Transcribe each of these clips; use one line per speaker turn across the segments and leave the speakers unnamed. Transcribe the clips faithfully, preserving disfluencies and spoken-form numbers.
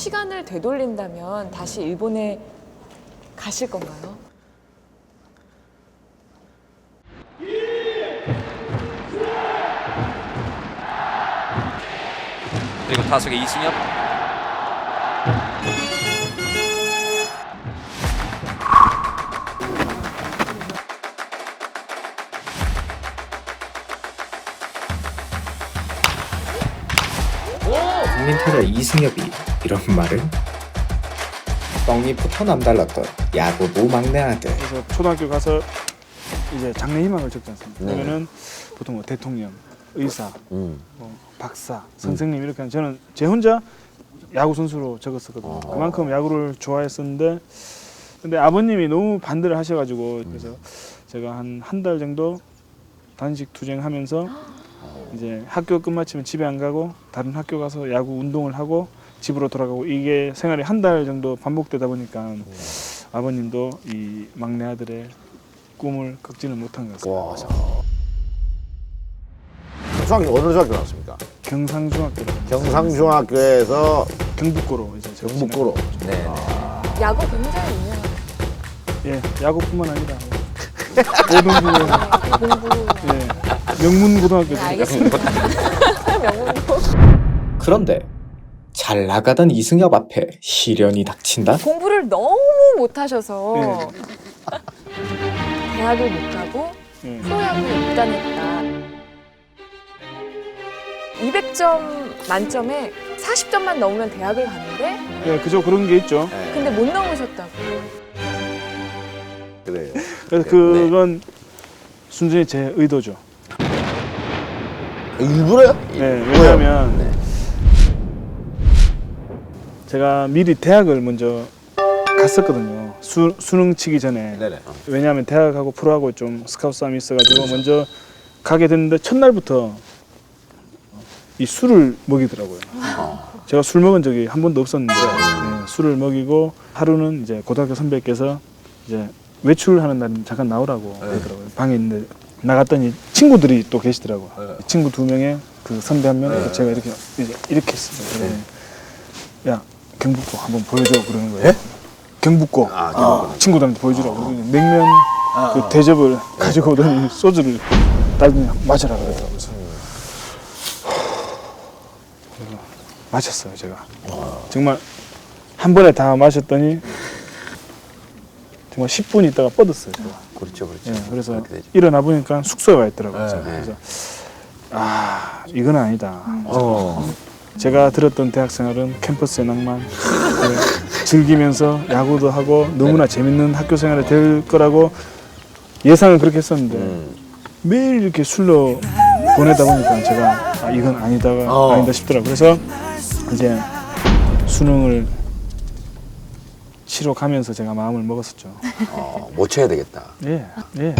시간을 되돌린다면 다시 일본에 가실 건가요?
그리고 타석의 이승엽.
국민타자 이승엽이 이런 말을? 떡잎부터 남달랐던 야구부 막내 아들.
그래서 초등학교 가서 이제 장래 희망을 적지 않습니까?
네.
그러면은 보통 뭐 대통령, 의사,
음.
뭐 박사, 선생님 이렇게 하는 저는 제 혼자 야구 선수로 적었었거든요.
어.
그만큼 야구를 좋아했었는데 근데 아버님이 너무 반대를 하셔가지고 그래서 제가 한 한 달 정도 단식 투쟁하면서 이제 학교 끝마치면 집에 안 가고 다른 학교 가서 야구 운동을 하고 집으로 돌아가고 이게 생활이 한 달 정도 반복되다 보니까 아버님도 이 막내 아들의 꿈을 꺾지는 못한 것 같습니다.
와. 중학교 어느 중학교 나왔습니까?
경상중학교,
경상중학교에서
경북고로 이제 제가
경북고로.
네.
야구 굉장히 유명하죠.
예, 야구뿐만 아니라 모든 부분에서
공부.
예, 명문고등학교.
네, 알겠습니다. 명문고.
그런데 잘 나가던 이승엽 앞에 시련이 닥친다?
공부를 너무 못하셔서
네.
대학을 못 가고
예.
프로야구에 입단했다. 이백 점 만점에 사십 점만 넘으면 대학을 가는데
예, 그저 그런 게 있죠.
네.
근데 못 넘으셨다고.
그래요.
그래서 그건 순전히 제 의도죠.
일부러요?
네, 왜냐하면
네.
제가 미리 대학을 먼저 갔었거든요. 수, 수능 치기 전에.
네네.
왜냐하면 대학하고 프로하고 좀 스카우트 싸움이 있어가지고 먼저 가게 됐는데 첫날부터 이 술을 먹이더라고요. 제가 술 먹은 적이 한 번도 없었는데 네, 술을 먹이고 하루는 이제 고등학교 선배께서 이제 외출하는 날은 잠깐 나오라고 그러더라고요. 방에 있는데 나갔더니 친구들이 또 계시더라고요.
네.
친구 두 명에 그 선배 한 명,
네.
제가 이렇게 이제 이렇게 했어요. 네. 야 경북고 한번 보여줘 그러는 거예요.
예?
경북고
아, 경북고.
친구들한테 보여주라고 그러더니 냉면 그 대접을 가지고 오더니 소주를 딸더니 마셔라 그러더라고요. 그래서 그래서 마셨어요 제가. 정말 한 번에 다 마셨더니 정말 십 분 있다가 뻗었어요 제가.
그렇죠, 그렇죠.
예, 그래서
그렇게 되죠.
일어나 보니까 숙소에 와 있더라고요. 제가.
네.
그래서 아 이건 아니다.
어.
제가 들었던 대학 생활은 캠퍼스의 낭만, 네, 즐기면서 야구도 하고 너무나 재밌는 학교 생활이 될 거라고 예상을 그렇게 했었는데
음.
매일 이렇게 술로 보내다 보니까 제가 아, 이건 아니다가
어.
아니다 싶더라고요. 그래서 이제 수능을 치러 가면서 제가 마음을 먹었었죠.
어, 못 쳐야 되겠다.
예, 예.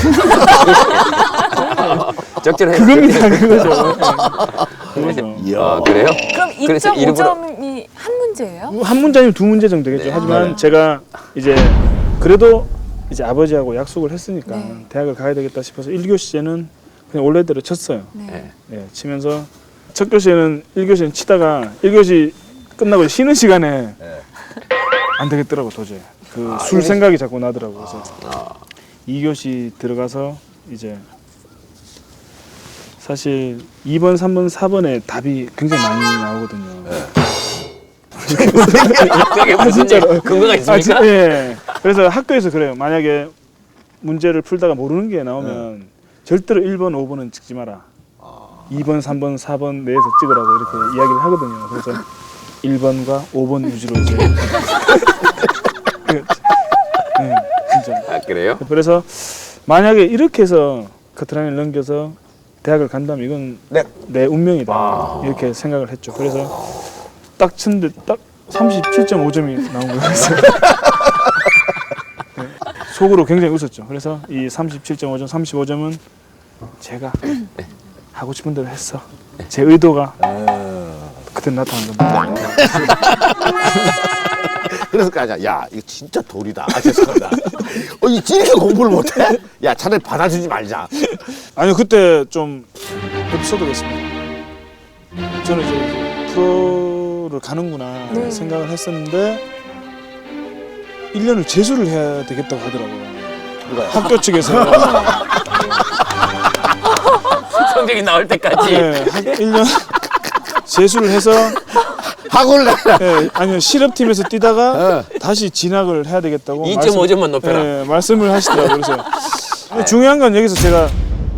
적절해.
그겁니다, 그거죠. 예. 그거죠.
이야.
아, 그래요?
그럼
그래서
이 점 오
일부러-
점이 한 문제예요?
한 문제 아니면 두 문제 정도 되겠죠.
네.
하지만
네.
제가 이제 그래도 이제 아버지하고 약속을 했으니까
네.
대학을 가야 되겠다 싶어서 일 교시제는 그냥 원래대로 쳤어요.
네.
네.
예, 치면서 첫 교시에는 일 교시는 치다가 일 교시 끝나고 쉬는 시간에
네.
안 되겠더라고 도저히. 그
아,
술
이게-
생각이 자꾸 나더라고. 그래서
아.
이 교시 들어가서 이제 사실 이 번, 삼 번, 사 번에 답이 굉장히 많이 나오거든요.
그게 무슨
진짜로.
근거가
아,
있습니까?
진- 예. 그래서 학교에서 그래요. 만약에 문제를 풀다가 모르는 게 나오면 절대로 일 번, 오 번은 찍지 마라. 이 번, 삼 번, 사 번 내에서 찍으라고 이렇게 이야기를 하거든요. 그래서 일 번과 오 번 위주로 이제 네, 진짜.
아, 그래요?
그래서 만약에 이렇게 해서 커트라인을 넘겨서 대학을 간다면 이건
네.
내 운명이다
아.
이렇게 생각을 했죠. 그래서 딱 쳤는데 딱 삼십칠 점 오 점이 나온 거예요. 그래서 네, 속으로 굉장히 웃었죠. 그래서 이 삼십칠 점 오 점, 삼십오 점은 제가 하고 싶은 대로 했어. 제 의도가
어.
그때 나타난 겁니다.
그래서 까자 야 이거 진짜 돌이다. 아, 죄송합니다. 어, 이 이렇게 공부를 못해? 야 차라리 받아주지 말자.
아니요 그때 좀 에피소드가 있습니다. 저는 이제 프로를 가는구나
네.
생각을 했었는데 일 년을 재수를 해야 되겠다고 하더라고요.
누가요?
학교 측에서
성적이 나올 때까지.
네, 일 년 재수를 해서
학원을 가.
네, 아니요 실업팀에서 뛰다가 다시 진학을 해야 되겠다고
이 점 오 점만 높여라.
네, 말씀을 하시더라고요. 그래서 근데 중요한 건 여기서 제가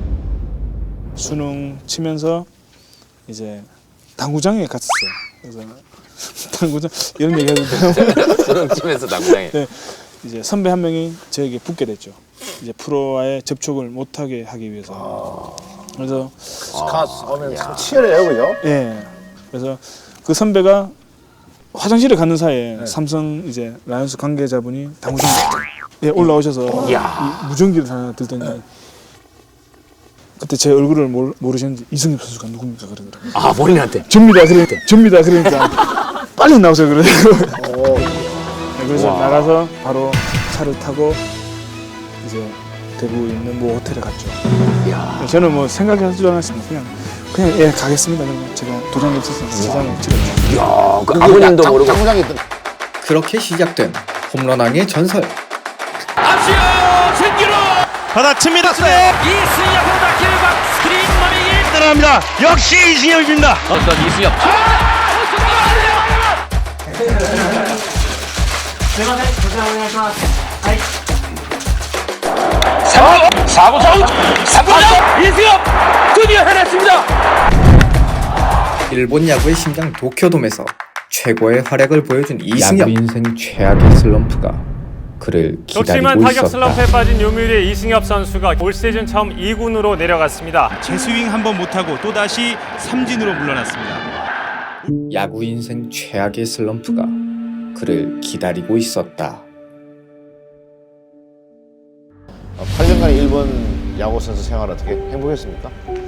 수능 치면서 이제 당구장에 갔었어요. 그래서 당구장 이런 얘기 해도 돼요?
수능 치면서 당구장에.
네, 이제 선배 한 명이 저에게 붙게 됐죠. 이제 프로와의 접촉을 못하게 하기 위해서. 그래서
스카스 하면 참 치열해요, 그죠?
예, 그래서 그 선배가 화장실에 갔는 사이에 삼성 이제 라이온스 관계자분이 당구장에 예, 올라오셔서 이 무전기를 하나 들더니 그때 제 얼굴을 모르, 모르셨는지 이승엽 선수가 누굽니까 그러더라고요.
아 본인한테.
접니다 그러니까 접니다 그러니까 빨리 나오세요 그러더라고요. 네, 그래서 나가서 바로 차를 타고 이제 대구에 있는 모 호텔에 갔죠. 저는 뭐 생각하지도 않았습니다. 그냥 그냥 예 가겠습니다. 그러면 제가 도장이 없어서 도장을 찍었죠.
야, 그 아버님도 모르고.
당구장에 있던
그렇게 시작된 홈런왕의 전설.
받아칩니다.
이승엽 호다킬박 스크린 머리기.
따라갑니다. 역시 이승엽입니다.
어떤 이승엽. 사구 점 삼구 점 이승엽 드디어 해냈습니다.
일본 야구의 심장 도쿄돔에서 최고의 활약을 보여준 이승엽. 야구 인생 최악의 슬럼프가 그를
극심한
기다리고
타격
있었다.
슬럼프에 빠진 요미우리의 이승엽 선수가 올 시즌 처음 이 군으로 내려갔습니다.
재스윙 한번 못하고 또다시 삼진으로 물러났습니다.
야구 인생 최악의 슬럼프가 그를 기다리고 있었다.
팔 년간 일본 야구 선수 생활 어떻게 행복했습니까?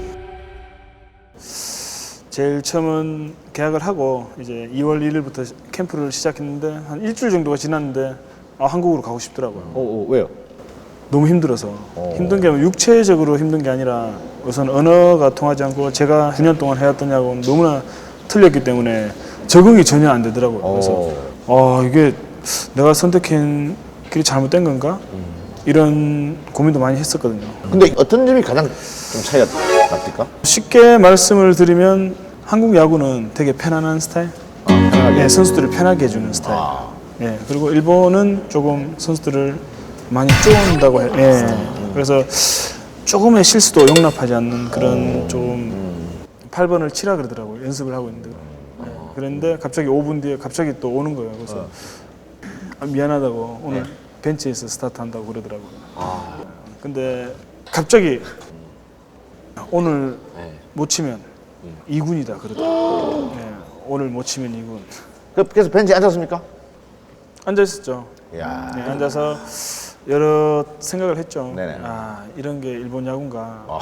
제일 처음은 계약을 하고 이제 이월 일일부터 캠프를 시작했는데 한 일주일 정도가 지났는데 아, 한국으로 가고 싶더라고요.
어, 어 왜요?
너무 힘들어서
어.
힘든 게 육체적으로 힘든 게 아니라 우선 언어가 통하지 않고 제가 구 년 동안 해왔던 야구는 너무나 틀렸기 때문에 적응이 전혀 안 되더라고요. 그래서 아 이게 내가 선택한 길이 잘못된 건가? 이런 고민도 많이 했었거든요.
근데 어떤 점이 가장 좀 차이가 납니까?
쉽게 말씀을 드리면 한국 야구는 되게 편안한 스타일,
편하게.
예, 선수들을 편하게 해주는 스타일.
아.
예, 그리고 일본은 조금 선수들을 많이 쪼은다고 해. 예, 그래서 조금의 실수도 용납하지 않는 그런 좀 팔 번을 치라 그러더라고요. 연습을 하고 있는데. 예, 그런데 갑자기 오 분 뒤에 갑자기 또 오는 거예요. 그래서 아, 미안하다고 오늘 벤치에서 스타트한다고 그러더라고요. 근데 갑자기 오늘 못 치면 이 군이다 그러더라고요. 예, 오늘 못 치면 이 군.
그- 그래서 벤치에 앉았습니까?
앉아 있었죠.
야.
네, 앉아서 여러 생각을 했죠.
네네.
아 이런 게 일본 야구인가.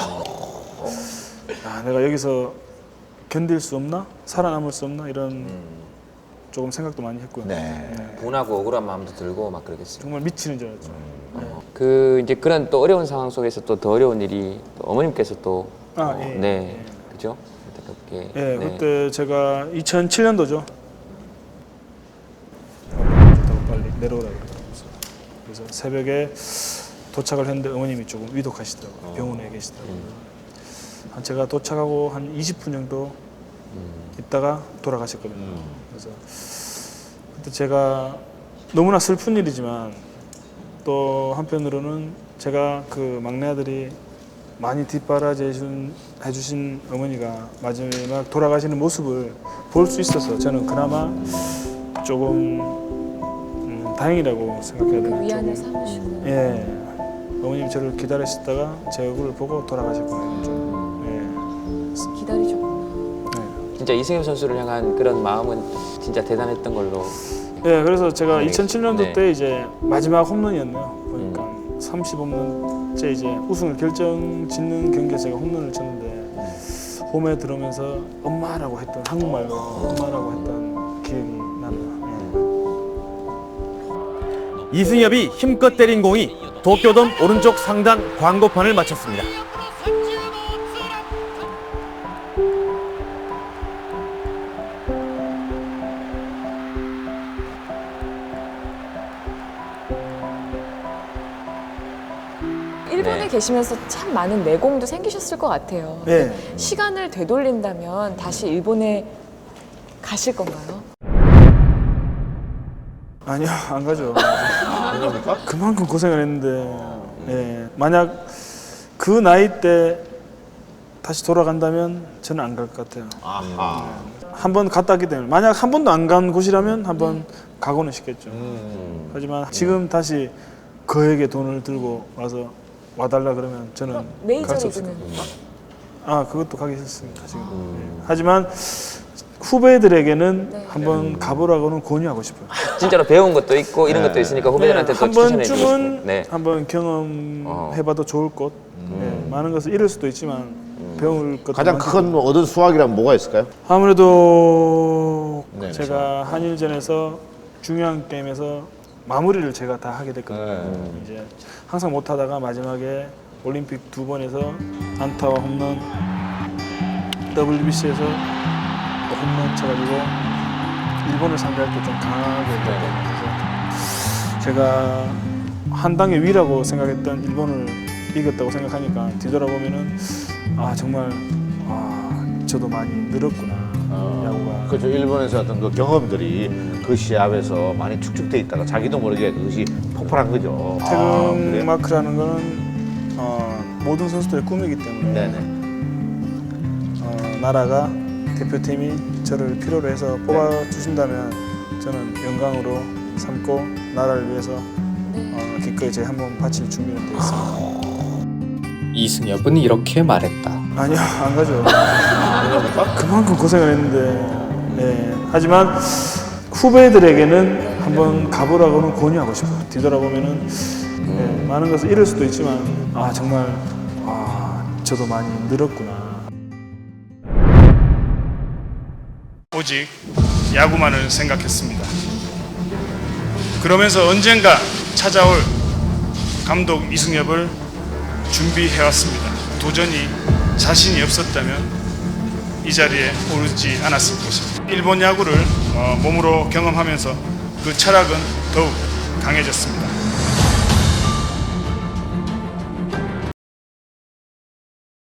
아 내가 여기서 견딜 수 없나? 살아남을 수 없나? 이런 조금 생각도 많이 했고요.
네.
분하고 억울한 마음도 들고 막 그러겠어요.
정말 미치는 줄 알았죠.
그 이제 그런 또 어려운 상황 속에서 또 더 어려운 일이 또 어머님께서 또
아,
어,
예.
네, 그죠? 안타깝게.
예,
네.
그때 제가 이천칠 년도죠. 좋다고 빨리 내려오라고 그래서 그래서 새벽에 도착을 했는데 어머님이 조금 위독하시더라고요. 병원에 계시더라고요. 한 제가 도착하고 한 이십 분 정도 있다가 돌아가셨거든요. 그래서 그때 제가 너무나 슬픈 일이지만 또 한편으로는 제가 그 막내 아들이 많이 뒷바라지 해준, 해주신 어머니가 마지막 돌아가시는 모습을 볼 수 있어서 저는 그나마 조금 음, 다행이라고 생각해야 되는
위안을
조금.
삼으시고.
예, 어머님이 저를 기다리시다가 제 얼굴을 보고 돌아가셨거든요. 좀.
기다리셨구나.
예. 네.
진짜 이승엽 선수를 향한 그런 마음은 진짜 대단했던 걸로.
예, 그래서 제가
네.
이천칠 년도
네.
때 이제 마지막 홈런이었네요. 보니까 삼십 홈런째 이제 우승을 결정 짓는 경기에 제가 홈런을 쳤는데 홈에 들어오면서 엄마라고 했던 한국말로 엄마라고 했던 기억이 나네요. 예.
이승엽이 힘껏 때린 공이 도쿄돔 오른쪽 상단 광고판을 맞췄습니다.
일본에
네.
계시면서 참 많은 내공도 생기셨을 것 같아요.
네.
시간을 되돌린다면 다시 일본에 가실 건가요?
아니요, 안 가죠. 그만큼 고생을 했는데, 예, 만약 그 나이 때 다시 돌아간다면 저는 안 갈 것 같아요.
아하.
한 번 갔다 왔기 때문에 만약 한 번도 안 간 곳이라면 한 번 가고는 싶겠죠.
음.
하지만 지금 다시 거액의 돈을 들고 와서 와달라 그러면 저는
메이저
갈 수 없을
리그는
것 같아요. 아, 그것도 가기 싫습니다 지금. 예. 하지만 후배들에게는
네.
한번 가보라고는 권유하고 싶어요.
진짜로 배운 것도 있고 이런
네.
것도 있으니까 후배들한테 또
한
추천해 주고
번쯤은
싶고. 네.
한번 경험해봐도 좋을 것.
음.
예, 많은 것을 잃을 수도 있지만 배울 것도
가장
많고.
큰 얻은 수확이란 뭐가 있을까요?
아무래도
네,
제가 한일전에서 중요한 게임에서 마무리를 제가 다 하게 됐거든요.
네.
이제 항상 못하다가 마지막에 올림픽 두 번에서 안타와 홈런, 더블유비씨에서 홈런 쳐가지고 일본을 상대할 때 좀 강하게 했거든요. 그래서 제가 한 단계 위라고 생각했던 일본을 이겼다고 생각하니까 뒤돌아보면은 아 정말 아 저도 많이 늘었구나. 야구가.
그렇죠. 일본에서 어떤 그 경험들이 그 시합에서 많이 축적돼 있다가 자기도 모르게 그것이 폭발한 거죠. 아,
태극
그래요?
마크라는 거는 어, 모든 선수들의 꿈이기 때문에
네네.
어, 나라가 대표팀이 저를 필요로 해서 뽑아주신다면 저는 영광으로 삼고 나라를 위해서 어, 기꺼이 제 한번 바칠 준비는 되어 있습니다.
이승엽은 이렇게 말했다.
아니요, 안 가죠. 그만큼 고생을 했는데, 네. 하지만 후배들에게는 한번 가보라고는 권유하고 싶어요. 뒤돌아보면은 네, 많은 것을 잃을 수도 있지만, 아 정말 아 저도 많이 늘었구나.
오직 야구만을 생각했습니다. 그러면서 언젠가 찾아올 감독 이승엽을 준비해왔습니다. 도전이 자신이 없었다면 이 자리에 오르지 않았을 것입니다. 일본 야구를 어, 몸으로 경험하면서 그 철학은 더욱 강해졌습니다.